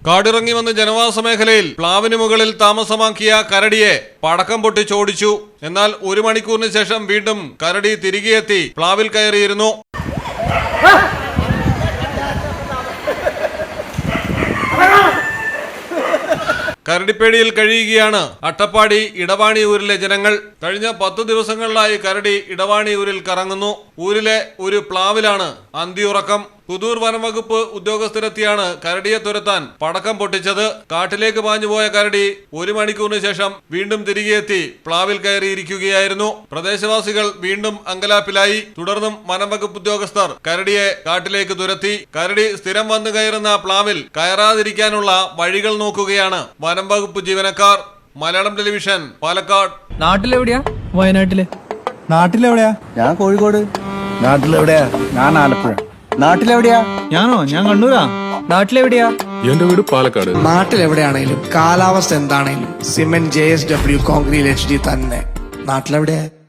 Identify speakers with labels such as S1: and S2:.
S1: കാടിറങ്ങി വന്ന് ജനവാസ മേഖലയിൽ പ്ലാവിന് മുകളിൽ താമസമാക്കിയ കരടിയെ പടക്കം പൊട്ടിച്ചോടിച്ചു. എന്നാൽ 1 മണിക്കൂറിന് ശേഷം വീണ്ടും കരടി തിരികെ എത്തി പ്ലാവിൽ കയറിയിരുന്നു. കരടിപ്പേടിയിൽ കഴിയുകയാണ് അട്ടപ്പാടി ഇടവാണിയൂരിലെ ജനങ്ങൾ. കഴിഞ്ഞ 10 ദിവസങ്ങളിലായി കരടി ഇടവാണിയൂരിൽ കറങ്ങുന്നു. ഊരിലെ ഒരു പ്ലാവിലാണ് അന്തിയുറക്കം. പുതൂർ വനംവകുപ്പ് ഉദ്യോഗസ്ഥരെത്തിയാണ് കരടിയെ തുരത്താൻ പടക്കം പൊട്ടിച്ചത്. കാട്ടിലേക്ക് പാഞ്ഞുപോയ കരടി 1 മണിക്കൂറിന് ശേഷം വീണ്ടും തിരികെ എത്തി പ്ലാവിൽ കയറിയിരിക്കുകയായിരുന്നു. പ്രദേശവാസികൾ വീണ്ടും അങ്കലാപ്പിലായി. തുടർന്നും വനംവകുപ്പ് ഉദ്യോഗസ്ഥർ കരടിയെ കാട്ടിലേക്ക് തുരത്തി. കരടി സ്ഥിരം വന്നു കയറുന്ന പ്ലാവിൽ കയറാതിരിക്കാനുള്ള വഴികൾ നോക്കുകയാണ് വനംവകുപ്പ് ജീവനക്കാർ. മലയാളം ടെലിവിഷൻ, പാലക്കാട്.
S2: നാട്ടിലെവിടെയാ? വയനാട്ടില്.
S3: നാട്ടിലെവിടെയാ?
S4: ഞാൻ കോഴിക്കോട്.
S3: നാട്ടിലെവിടെയാ? ഞാൻ ആലപ്പുഴ.
S4: നാട്ടിലെവിടെയാ?
S3: ഞാൻ കണ്ണൂരാ.
S2: നാട്ടിലെവിടെയാ?
S5: എന്റെ വീട് പാലക്കാട്.
S6: നാട്ടിലെവിടെയാണേലും കാലാവസ്ഥ എന്താണേലും സിമെന്റ് JSW കോൺക്രീറ്റ് HD തന്നെ. നാട്ടിലെവിടെയാ?